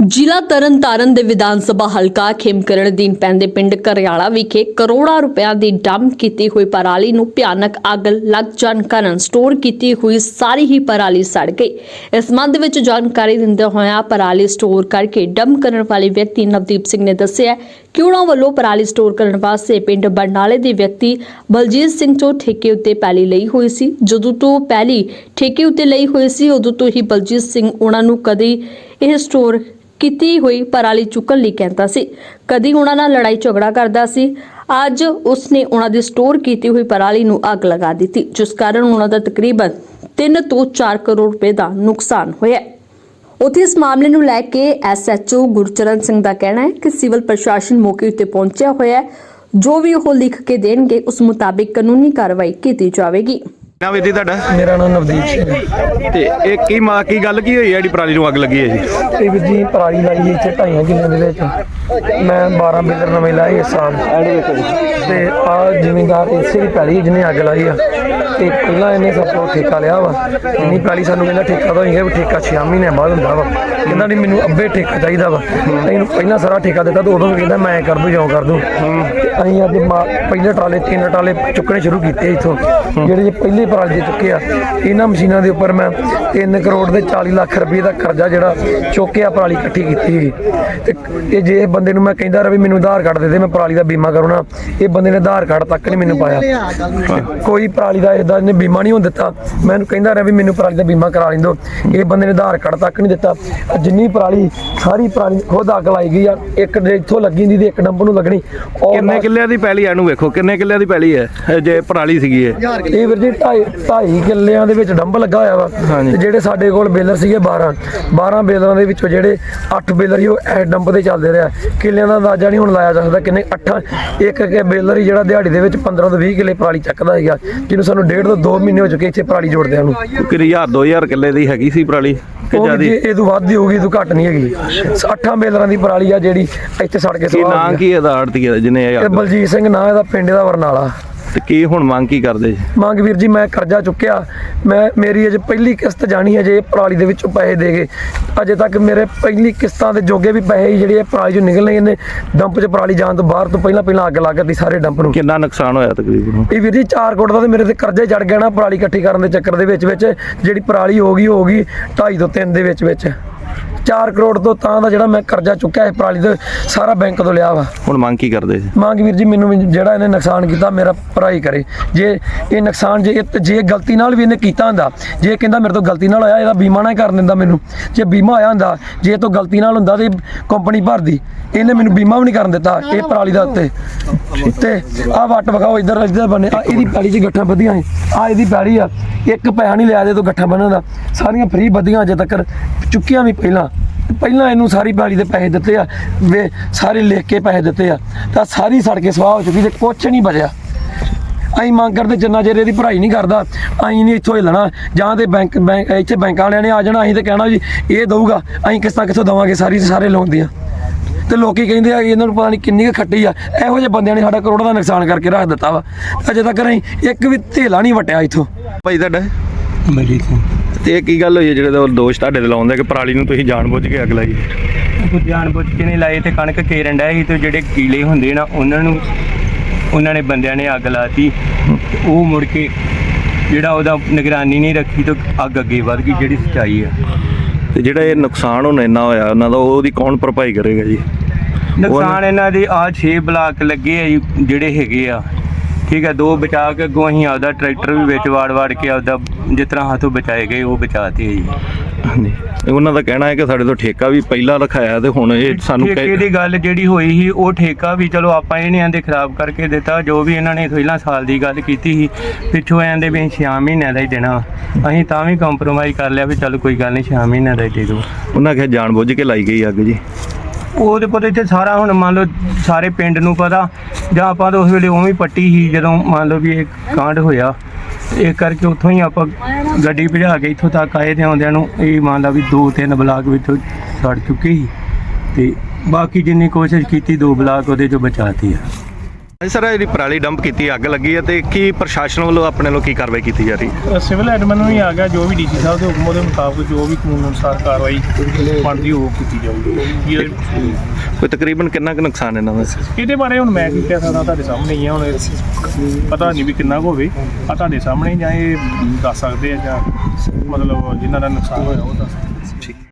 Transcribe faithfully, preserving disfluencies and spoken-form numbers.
ਜ਼ਿਲ੍ਹਾ ਤਰਨਤਾਰਨ ਦੇ ਵਿਧਾਨ ਸਭਾ ਹਲਕਾ ਖੇਮਕਰਨ ਅਧੀਨ ਪੈਂਦੇ ਪਿੰਡ ਘਰਿਆਲਾ ਵਿਖੇ ਕਰੋੜਾਂ ਰੁਪਇਆਂ ਦੀ ਡੰਪ ਕੀਤੀ ਹੋਈ ਪਰਾਲੀ ਨੂੰ ਭਿਆਨਕ ਅੱਗ ਲੱਗ ਜਾਣ ਕਾਰਨ ਸਟੋਰ ਕੀਤੀ ਹੋਈ ਸਾਰੀ ਹੀ ਪਰਾਲੀ ਸੜ ਗਈ। ਇਸ ਸੰਬੰਧ ਵਿੱਚ ਜਾਣਕਾਰੀ ਦਿੰਦੇ ਹੋਇਆਂ ਪਰਾਲੀ ਸਟੋਰ ਕਰਕੇ ਡੰਪ ਕਰਨ ਵਾਲੇ ਵਿਅਕਤੀ ਨਵਦੀਪ ਸਿੰਘ ਨੇ ਦੱਸਿਆ ਕਿ ਉਹਨਾਂ ਵੱਲੋਂ ਪਰਾਲੀ ਸਟੋਰ ਕਰਨ ਵਾਸਤੇ ਪਿੰਡ ਬਰਨਾਲੇ ਦੇ ਵਿਅਕਤੀ ਬਲਜੀਤ ਸਿੰਘ ਤੋਂ ਠੇਕੇ ਉੱਤੇ ਪੈਲੀ ਲਈ ਹੋਈ ਸੀ। ਜਦੋਂ ਤੋਂ ਪੈਲੀ ਠੇਕੇ ਉੱਤੇ ਲਈ ਹੋਈ ਸੀ ਉਦੋਂ ਤੋਂ ਹੀ ਬਲਜੀਤ ਸਿੰਘ ਉਹਨਾਂ ਨੂੰ ਕਦੇ ਇਹ ਸਟੋਰ ਕੀਤੀ ਹੋਈ ਪਰਾਲੀ ਚੁੱਕਣ ਲਈ ਕਹਿੰਦਾ ਸੀ, ਕਦੀ ਉਹਨਾਂ ਨਾਲ ਲੜਾਈ ਝਗੜਾ ਕਰਦਾ ਸੀ। ਅੱਜ ਉਸਨੇ ਉਹਨਾਂ ਦੀ ਸਟੋਰ ਕੀਤੀ ਹੋਈ ਪਰਾਲੀ ਨੂੰ ਅੱਗ ਲਗਾ ਦਿੱਤੀ, ਜਿਸ ਕਾਰਨ ਉਹਨਾਂ ਦਾ ਤਕਰੀਬਨ ਤਿੰਨ ਤੋਂ ਚਾਰ ਕਰੋੜ ਰੁਪਏ ਦਾ ਨੁਕਸਾਨ ਹੋਇਆ। ਉੱਥੇ ਇਸ ਮਾਮਲੇ ਨੂੰ ਲੈ ਕੇ S H O Gurcharan Singh ਦਾ ਕਹਿਣਾ ਹੈ ਕਿ ਸਿਵਲ ਪ੍ਰਸ਼ਾਸਨ ਮੌਕੇ ਉੱਤੇ ਪਹੁੰਚਿਆ ਹੋਇਆ ਹੈ, ਜੋ ਵੀ ਉਹ ਲਿਖ ਕੇ ਦੇਣਗੇ ਉਸ ਮੁਤਾਬਿਕ ਕਾਨੂੰਨੀ ਕਾਰਵਾਈ ਕੀਤੀ ਜਾਵੇਗੀ। ਨਾ ਵੀਰ ਜੀ ਤੁਹਾਡਾ? ਮੇਰਾ ਨਾਮ ਨਵਦੀਪ ਸਿੰਘ ਹੈ। ਤੇ ਇਹ ਕੀ ਮਾਂ ਕੀ ਗੱਲ ਕੀ ਹੋਈ ਹੈ ਜਿਹੜੀ ਪਰਾਲੀ ਨੂੰ ਅੱਗ ਲੱਗੀ ਹੈ ਜੀ? ਇਹ ਵੀਰ ਜੀ ਪਰਾਲੀ ਲਾਈ ਹੈ ਇੱਥੇ ਢਾਈਆਂ ਕਿੱਲਿਆਂ ਦੇ ਵਿੱਚ। ਮੈਂ ਬਾਰਾਂ ਬਿਲਰ ਨਵੇਂ ਲਾਏ ਇਸ ਸਾਲ ਤੇ ਆ ਜ਼ਿਮੀਂਦਾਰ ਇਸੇ ਦੀ ਪੈਲੀ ਜਿਹਨੇ ਅੱਗ ਲਾਈ ਆ ਤੇ ਪਹਿਲਾਂ ਇਹਨੇ ਸਭ ਤੋਂ ਠੇਕਾ ਲਿਆ ਵਾ। ਇੰਨੀ ਪੈਲੀ ਸਾਨੂੰ ਕਹਿੰਦਾ ਠੇਕਾ ਤਾਂ ਹੋਈਗਾ ਵੀ ਠੇਕਾ ਛੇ ਮਹੀਨੇ ਬਾਅਦ ਹੁੰਦਾ ਵਾ। ਕਹਿੰਦਾ ਨਹੀਂ ਮੈਨੂੰ ਅੱਬੇ ਠੇਕਾ ਚਾਹੀਦਾ ਵਾ। ਇਹਨੂੰ ਪਹਿਲਾਂ ਸਾਰਾ ਠੇਕਾ ਦਿੱਤਾ ਤਾਂ ਉਦੋਂ ਵੀ ਕਹਿੰਦਾ ਮੈਂ ਕਰ ਦੂੰ ਜਾਂ ਕਰ ਦੂੰ। ਤੇ ਅਸੀਂ ਅੱਜ ਪਹਿਲੇ ਟਰਾਲੇ ਤਿੰਨ ਟਰਾਲੇ ਚੁੱਕਣੇ ਸ਼ੁਰੂ ਕੀਤੇ ਇੱਥੋਂ, ਜਿਹੜੇ ਜੇ ਪਹਿਲੇ ਪਰਾਲੀ ਦੇ ਚੁੱਕੇ ਆ। ਇਹਨਾਂ ਮਸ਼ੀਨਾਂ ਦੇ ਉੱਪਰ ਮੈਂ ਤਿੰਨ ਕਰੋੜ ਦੇ ਚਾਲੀ ਲੱਖ ਰੁਪਏ ਦਾ ਕਰਜ਼ਾ ਜਿਹੜਾ ਚੁੱਕਿਆ ਪਰਾਲੀ ਇਕੱਠੀ ਕੀਤੀ ਸੀਗੀ। ਤੇ ਇਹ ਜੇ ਬੰਦੇ ਨੂੰ ਮੈਂ ਕਹਿੰਦਾ ਰਿਹਾ ਵੀ ਮੈਨੂੰ ਆਧਾਰ ਕਾਰਡ ਦੇ ਦੇ ਮੈਂ ਪਰਾਲੀ ਦਾ ਬੀਮਾ ਕਰਨਾ, ਇਹ ਬੰਦੇ ਨੇ ਆਧਾਰ ਕਾਰਡ ਤੱਕ ਨਹੀਂ ਮੈਨੂੰ ਪਾਇਆ। ਕੋਈ ਪਰਾਲੀ ਦਾ ਇਦਾਂ ਇਹਨੇ ਬੀਮਾ ਨਹੀਂ ਹੋਣ ਦਿੱਤਾ। ਮੈਂ ਇਹਨੂੰ ਕਹਿੰਦਾ ਰਿਹਾ ਵੀ ਮੈਨੂੰ ਪਰਾਲੀ ਦਾ ਬੀਮਾ ਕਰਾ ਲੈਂਦੋ, ਇਹ ਬੰਦੇ ਨੇ ਆਧਾਰ ਕਾਰਡ ਤੱਕ ਨਹੀਂ ਦਿੱਤਾ। ਜਿੰਨੀ ਪਰਾਲੀ ਸਾਰੀ ਪਰਾਲੀ ਖੁਦ ਅੱਗ ਲਾਈ ਗਈ ਆ। ਇੱਕ ਇੱਥੋਂ ਲੱਗੀ ਦੀ ਇੱਕ ਡੰਪ ਨੂੰ ਲੱਗਣੀ। ਕਿੰਨੇ ਕਿੱਲਿਆਂ ਦੀ ਪੈਲੀ ਆ? ਇਹਨੂੰ ਵੇਖੋ ਕਿੰਨੇ ਕਿੱਲਿਆਂ ਦੀ ਪੈਲੀ ਹੈ ਜੇ ਪਰਾਲੀ ਸੀਗੀ ਇਹ। ਇਹ ਵੀਰ ਜੀ ਢਾਈ ਢਾਈ ਕਿੱਲਿਆਂ ਦੇ ਵਿੱਚ ਡੰਪ ਲੱਗਾ ਹੋਇਆ ਵਾ। ਤੇ ਜਿਹੜੇ ਸਾਡੇ ਕੋਲ ਬੇਲਰ ਸੀਗੇ ਬਾਰਾਂ ਬਾਰਾਂ ਬੇਲਰਾਂ ਦੇ ਵਿੱਚੋਂ ਜਿਹੜੇ ਅੱਠ ਬੇਲਰ ਹੀ ਉਹ ਡੰਪ ਤੇ ਚੱਲਦੇ ਰਿਹਾ। ਕਿੱਲਿਆਂ ਦਾ ਅੰਦਾਜ਼ਾ ਨਹੀਂ ਹੁਣ ਲਾਇਆ ਜਾ ਸਕਦਾ ਕਿੰਨੇ। ਅੱਠਾਂ ਇੱਕ ਇੱਕ ਬੇਲਰ ਹੀ ਜਿਹੜਾ ਦਿਹਾੜੀ ਦੇ ਵਿੱਚ ਪੰਦਰਾਂ ਤੋਂ ਵੀਹ ਕਿੱਲੇ ਪਰਾਲੀ ਚੱਕਦਾ ਹੈਗਾ, ਜਿਹਨੂੰ ਸਾਨੂੰ ਡੇਢ ਤੋਂ ਦੋ ਮਹੀਨੇ ਹੋ ਚੁੱਕੇ ਇੱਥੇ ਪਰਾਲੀ ਜੋੜਦਿਆਂ ਨੂੰ। ਕਿ ਹਜ਼ਾਰ ਦੋ ਹਜ਼ਾਰ ਕਿੱਲੇ ਦੀ ਹੈਗੀ ਸੀ ਪਰਾਲੀ ਕਿ ਜਿਆਦੀ? ਇਹ ਤੋਂ ਵੱਧ ਹੀ ਹੋਊਗੀ, ਇਹ ਤੋਂ ਘੱਟ ਨਹੀਂ ਹੈਗੀ। ਅੱਠਾਂ ਬੇਲਰਾਂ ਦੀ ਪਰਾਲੀ ਆ ਜਿਹੜੀ ਇੱਥੇ ਸੜ ਕੇ ਸਵਾਹ। ਨਾਂ ਕੀ ਇਹਦਾ ਆੜਤੀ ਜਿਹਨੇ ਇਹ ਬਲਜੀਤ ਸਿੰਘ ਨਾਂ ਇਹਦਾ, ਪਿੰਡ ਦਾ ਬਰਨਾਲਾ। ਤੇ ਕੀ ਹੁਣ ਮੰਗ ਕੀ ਕਰਦੇ? ਮੰਗ ਵੀਰ ਜੀ ਮੈਂ ਕਰਜ਼ਾ ਚੁੱਕਿਆ, ਮੈਂ ਮੇਰੀ ਅਜੇ ਪਹਿਲੀ ਕਿਸ਼ਤ ਜਾਣੀ ਹੈ। ਜੇ ਪਰਾਲੀ ਦੇ ਵਿੱਚੋਂ ਪੈਸੇ ਦੇ ਗਏ ਅਜੇ ਤੱਕ ਮੇਰੇ ਪਹਿਲੀ ਕਿਸ਼ਤਾਂ ਦੇ ਜੋਗੇ ਵੀ ਪੈਸੇ ਜਿਹੜੇ ਪਰਾਲੀ ਚੋਂ ਨਿਕਲਣੇ ਇਹਨੇ ਡੰਪ 'ਚ ਪਰਾਲੀ ਜਾਣ ਤੋਂ ਬਾਹਰ ਤੋਂ ਪਹਿਲਾਂ ਪਹਿਲਾਂ ਅੱਗ ਲੱਗ ਗਈ ਸਾਰੇ ਡੰਪ ਨੂੰ। ਕਿੰਨਾ ਨੁਕਸਾਨ ਹੋਇਆ ਤਕਰੀਬਨ? ਇਹ ਵੀਰ ਜੀ ਚਾਰ ਕਰੋੜ ਦਾ ਤੇ ਮੇਰੇ ਤੇ ਕਰਜ਼ੇ ਚੜ ਗਿਆ ਨਾ ਪਰਾਲੀ ਇਕੱਠੀ ਕਰਨ ਦੇ ਚੱਕਰ ਦੇ ਵਿੱਚ ਵਿੱਚ। ਜਿਹੜੀ ਪਰਾਲੀ ਹੋ ਗਈ ਹੋ ਗਈ ਢਾਈ ਤੋਂ ਤਿੰਨ ਦੇ ਵਿੱਚ ਵਿੱਚ ਚਾਰ ਕਰੋੜ ਤੋਂ ਤਾਂ ਦਾ ਜਿਹੜਾ ਮੈਂ ਕਰਜ਼ਾ ਚੁੱਕਿਆ ਹੈ ਪਰਾਲੀ ਤੋਂ ਸਾਰਾ ਬੈਂਕ ਤੋਂ ਲਿਆ ਵਾ। ਹੁਣ ਮੰਗ ਕੀ ਕਰਦੇ? ਮੰਗ ਵੀਰ ਜੀ ਮੈਨੂੰ ਜਿਹੜਾ ਇਹਨੇ ਨੁਕਸਾਨ ਕੀਤਾ ਮੇਰਾ ਭਰਾਈ ਕਰੇ। ਜੇ ਇਹ ਨੁਕਸਾਨ ਜੇ ਜੇ ਗਲਤੀ ਨਾਲ ਵੀ ਇਹਨੇ ਕੀਤਾ ਹੁੰਦਾ, ਜੇ ਕਹਿੰਦਾ ਮੇਰੇ ਤੋਂ ਗਲਤੀ ਨਾਲ ਹੋਇਆ ਇਹਦਾ ਬੀਮਾ ਨਾ ਕਰ ਦਿੰਦਾ ਮੈਨੂੰ। ਜੇ ਬੀਮਾ ਹੋਇਆ ਹੁੰਦਾ, ਜੇ ਇਹ ਤੋਂ ਗਲਤੀ ਨਾਲ ਹੁੰਦਾ ਤੇ ਕੰਪਨੀ ਭਰਦੀ। ਇਹਨੇ ਮੈਨੂੰ ਬੀਮਾ ਵੀ ਨਹੀਂ ਕਰਨ ਦਿੱਤਾ ਇਹ ਪਰਾਲੀ ਦਾ ਉੱਤੇ। ਤੇ ਆਹ ਵੱਟ ਵਿਖਾਓ ਇੱਧਰ ਇੱਧਰ ਬਣੇ ਆ ਇਹਦੀ ਪੈਲੀ 'ਚ ਗੱਠਾਂ ਵਧੀਆਂ ਸੀ। ਆ ਇਹਦੀ ਪੈਲੀ ਆ, ਇੱਕ ਪੈਸਾ ਨਹੀਂ ਲਿਆ ਇਹਦੇ ਤੋਂ ਗੱਠਾਂ ਬੰਨਣ ਦਾ। ਸਾਰੀਆਂ ਫ੍ਰੀ ਵਧੀਆਂ ਅਜੇ ਤੱਕ ਚੁੱਕੀਆਂ ਵੀ ਪਹਿਲਾਂ ਪਹਿਲਾਂ ਇਹਨੂੰ ਸਾਰੀ ਪੈਲੀ ਦੇ ਪੈਸੇ ਦਿੱਤੇ ਆ, ਵੇ ਸਾਰੇ ਲਿਖ ਕੇ ਪੈਸੇ ਦਿੱਤੇ ਆ ਤਾਂ ਸਾਰੀ ਸੜ ਕੇ ਸਵਾਹ ਹੋ ਚੁੱਕੀ ਤੇ ਕੁਛ ਨਹੀਂ ਬਚਿਆ। ਅਸੀਂ ਮੰਗ ਕਰਦੇ ਜਿੰਨਾ ਚਿਰ ਇਹਦੀ ਭਰਾਈ ਨਹੀਂ ਕਰਦਾ ਅਸੀਂ ਨਹੀਂ ਇੱਥੋਂ ਹਿੱਲਣਾ। ਜਾਂ ਤੇ ਬੈਂਕ ਬੈਂਕ ਇੱਥੇ ਬੈਂਕਾਂ ਵਾਲਿਆਂ ਨੇ ਆ ਜਾਣਾ, ਅਸੀਂ ਤਾਂ ਕਹਿਣਾ ਜੀ ਇਹ ਦਊਗਾ, ਅਸੀਂ ਕਿਸ਼ਤਾਂ ਕਿੱਥੋਂ ਦੇਵਾਂਗੇ ਸਾਰੀ ਸਾਰੇ ਲੋਨ ਦੀਆਂ। ਤੇ ਲੋਕੀ ਕਹਿੰਦੇ ਆ ਕਿ ਇਹਨਾਂ ਨੂੰ ਪਤਾ ਨਹੀਂ ਕਿੰਨੀ ਕੁ ਖੱਟੀ ਆ। ਇਹੋ ਜਿਹੇ ਬੰਦਿਆਂ ਨੇ ਸਾਡਾ ਕਰੋੜਾਂ ਦਾ ਨੁਕਸਾਨ ਕਰਕੇ ਰੱਖ ਦਿੱਤਾ ਵਾ। ਅਜੇ ਤੱਕ ਅਸੀਂ ਇੱਕ ਵੀ ਧੇਲਾ ਨਹੀਂ ਵਟਿਆ ਇੱਥੋਂ। ਭਾਈ ਤੁਹਾਡਾ? ਬਲਜੀਤ ਸਿੰਘ। ਤੇ ਇਹ ਕੀ ਗੱਲ ਹੋਈ ਹੈ ਜਿਹੜੇ ਦੋਸ਼ ਤੁਹਾਡੇ ਤੇ ਲਾਉਂਦੇ ਕਿ ਪਰਾਲੀ ਨੂੰ ਤੁਸੀਂ ਜਾਣਬੁੱਝ ਕੇ ਅੱਗ ਲਾਈ? ਕੁਝ ਜਾਣਬੁੱਝ ਕੇ ਨਹੀਂ ਲਾਏ ਤੇ ਕਣਕ ਕੇਰਨ ਡਿਆ ਸੀ ਤੇ ਜਿਹੜੇ ਕੀਲੇ ਹੁੰਦੇ ਨਾ ਉਹਨਾਂ ਨੂੰ ਉਹਨਾਂ ਨੇ ਬੰਦਿਆਂ ਨੇ ਅੱਗ ਲਾਤੀ। ਉਹ ਮੁੜ ਕੇ ਜਿਹੜਾ ਉਹਦਾ ਨਿਗਰਾਨੀ ਨਹੀਂ ਰੱਖੀ ਤਾਂ ਅੱਗ ਅੱਗੇ ਵੱਧ ਗਈ, ਜਿਹੜੀ ਸੱਚਾਈ ਆ। ਤੇ ਜਿਹੜਾ ਇਹ ਨੁਕਸਾਨ ਹੁਣ ਇੰਨਾ ਹੋਇਆ ਉਹਨਾਂ ਦਾ ਉਹਦੀ ਕੌਣ ਭਰਪਾਈ ਕਰੇਗਾ ਜੀ? ਨੁਕਸਾਨ ਇਹਨਾਂ ਦੇ ਆਹ ਛੇ ਬਲਾਕ ਲੱਗੇ ਆ ਜੀ ਜਿਹੜੇ ਹੈਗੇ ਆ, ਠੀਕ ਹੈ। ਦੋ ਬਚਾ ਕੇ ਅੱਗੋਂ ਅਸੀਂ ਆਪਦਾ ਟਰੈਕਟਰ ਵੀ ਵਿੱਚ ਵਾੜ ਵਾੜ ਕੇ ਆਪਦਾ ਜਿਸ ਤਰ੍ਹਾਂ ਹੱਥੋਂ ਬਚਾਏ ਗਏ ਉਹ ਬਚਾਤੇ ਜੀ। ਹਾਂਜੀ, ਉਹਨਾਂ ਦਾ ਕਹਿਣਾ ਹੈ ਕਿ ਸਾਡੇ ਤੋਂ ਠੇਕਾ ਵੀ ਪਹਿਲਾਂ ਰਖਾਇਆ ਤੇ ਹੁਣ ਇਹ ਸਾਨੂੰ ਠੇਕੇ ਦੀ ਗੱਲ ਜਿਹੜੀ ਹੋਈ ਸੀ ਉਹ ਠੇਕਾ ਵੀ ਚਲੋ ਆਪਾਂ ਇਹ ਨਹੀਂ ਆਂਦੇ ਖਰਾਬ ਕਰਕੇ ਦਿੱਤਾ। ਜੋ ਵੀ ਇਹਨਾਂ ਨੇ ਪਹਿਲਾਂ ਸਾਲ ਦੀ ਗੱਲ ਕੀਤੀ ਸੀ, ਪਿੱਛੋਂ ਆਂਦੇ ਵੀ ਛੇ ਮਹੀਨਿਆਂ ਦਾ ਹੀ ਦੇਣਾ। ਅਸੀਂ ਤਾਂ ਵੀ ਕੰਪਰੋਮਾਈਜ਼ ਕਰ ਲਿਆ ਵੀ ਚਲ ਕੋਈ ਗੱਲ ਨਹੀਂ ਛੇ ਮਹੀਨਿਆਂ ਦਾ ਹੀ ਦੇ ਦਿਓ। ਉਹਨਾਂ ਕਿਹਾ ਜਾਣਬੁੱਝ ਕੇ ਲਾਈ ਗਈ ਅੱਗ ਜੀ। ਉਹਦੇ ਪਤਾ ਇੱਥੇ ਸਾਰਾ ਹੁਣ ਮੰਨ ਲਓ ਸਾਰੇ ਪਿੰਡ ਨੂੰ ਪਤਾ, ਜਾਂ ਆਪਾਂ ਤਾਂ ਉਸ ਵੇਲੇ ਉਵੇਂ ਪੱਟੀ ਸੀ ਜਦੋਂ ਮੰਨ ਲਓ ਵੀ ਇਹ ਕਾਂਡ ਹੋਇਆ। ਇਹ ਕਰਕੇ ਉੱਥੋਂ ਹੀ ਆਪਾਂ ਗੱਡੀ ਭਜਾ ਕੇ ਇੱਥੋਂ ਤੱਕ ਆਏ ਤੇ ਆਉਂਦਿਆਂ ਨੂੰ ਇਹ ਮੰਨ ਲਾ ਵੀ ਦੋ ਤਿੰਨ ਬਲਾਕ ਵਿੱਚੋਂ ਸੜ ਚੁੱਕੇ ਸੀ ਤੇ ਬਾਕੀ ਜਿੰਨੀ ਕੋਸ਼ਿਸ਼ ਕੀਤੀ ਦੋ ਬਲਾਕ ਉਹਦੇ 'ਚੋਂ ਬਚਾਤੀ ਆ। ਹਾਂਜੀ ਸਰ, ਜਿਹੜੀ ਪਰਾਲੀ ਡੰਪ ਕੀਤੀ ਅੱਗ ਲੱਗੀ ਹੈ ਤੇ ਕੀ ਪ੍ਰਸ਼ਾਸਨ ਵੱਲੋਂ ਆਪਣੇ ਵੱਲੋਂ ਕੀ ਕਾਰਵਾਈ ਕੀਤੀ ਜਾ ਰਹੀ ਹੈ? ਸਿਵਲ ਐਡਮਿਨ ਨੂੰ ਹੀ ਆ ਗਿਆ, ਜੋ ਵੀ ਡੀਸੀ ਸਾਹਿਬ ਦੇ ਹੁਕਮ ਦੇ ਮੁਤਾਬਕ ਜੋ ਵੀ ਕਾਨੂੰਨ ਅਨੁਸਾਰ ਕਾਰਵਾਈ ਬਣਦੀ ਉਹ ਕੀਤੀ ਜਾਊਗੀ। ਇਹ- ਕੋਈ ਤਕਰੀਬਨ ਕਿੰਨਾ ਕੁ ਨੁਕਸਾਨ ਇਹਨਾਂ ਦਾ? ਇਹਦੇ ਬਾਰੇ ਹੁਣ ਮੈਂ ਕੀ ਕਹਿ ਸਕਦਾ, ਤੁਹਾਡੇ ਸਾਹਮਣੇ ਹੀ ਆ। ਹੁਣ ਪਤਾ ਨਹੀਂ ਵੀ ਕਿੰਨਾ ਕੁ ਹੋਵੇ, ਆ ਤੁਹਾਡੇ ਸਾਹਮਣੇ ਜਾਂ ਇਹ ਦੱਸ ਸਕਦੇ ਆ, ਜਾਂ ਮਤਲਬ ਜਿਨ੍ਹਾਂ ਦਾ ਨੁਕਸਾਨ ਹੋਇਆ ਉਹ ਦੱਸ ਸਕਦੇ।